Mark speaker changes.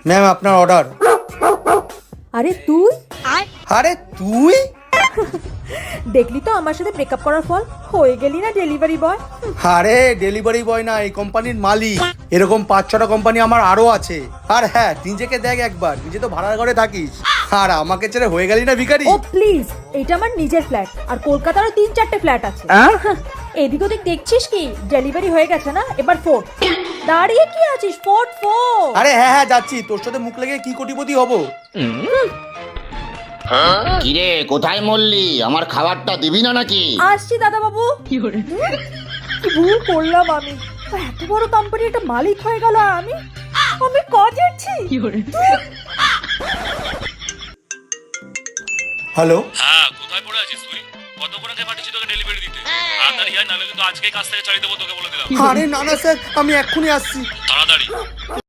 Speaker 1: Ma'am আপনার order.
Speaker 2: আরে তুই
Speaker 1: আরে তুই
Speaker 2: দেখলি তো আমার সাথে ব্রেকআপ করার ফল, হয়ে গেলি না ডেলিভারি বয়।
Speaker 1: আরে ডেলিভারি বয় না, এই কোম্পানির মালিক। এরকম 5-6টা কোম্পানি আমার আরো আছে। আর হ্যাঁ, নিজেকে দেখ একবার, নিজে তো ভাড়ার ঘরে থাকিস, আর আমাকে ছেড়ে হয়ে গেলি না ভিখারি।
Speaker 2: ও প্লিজ, এটা আমার নিজের ফ্ল্যাট, আর কলকাতারও 3-4টে ফ্ল্যাট আছে। এদিক ওদিক দেখছিস কি? ডেলিভারি হয়ে গেছে না, এবার ফোট। দাঁড়িয়ে কি আছিস? ফোট ফোট।
Speaker 1: আরে হ্যাঁ হ্যাঁ যাচ্ছি, তোর সাথে মুখ লেগে কি কোটিপতি হবো।
Speaker 3: কিরে কোথায় মরলি? আমার খাবারটা দিবি না নাকি?
Speaker 2: আসছি দাদা বাবু। কি ভুল করলাম আমি, এত বড় কোম্পানির একটা মালিক হয়ে গেল আমি কাজেরছি।
Speaker 1: হ্যালো,
Speaker 4: হ্যাঁ, কোথায় পড়ে আছিস তুই? কতক্ষণ আগে পাঠিয়েছি তোকে ডেলিভারি দিতে? তাড়াতাড়ি আয়, নাহলে কিন্তু আজকেই কাজ থেকে ছাড়িয়ে দেবো তোকে বলে দিলাম।
Speaker 1: আরে না না স্যার, আমি এক্ষুনি আসছি।
Speaker 4: তাড়াতাড়ি।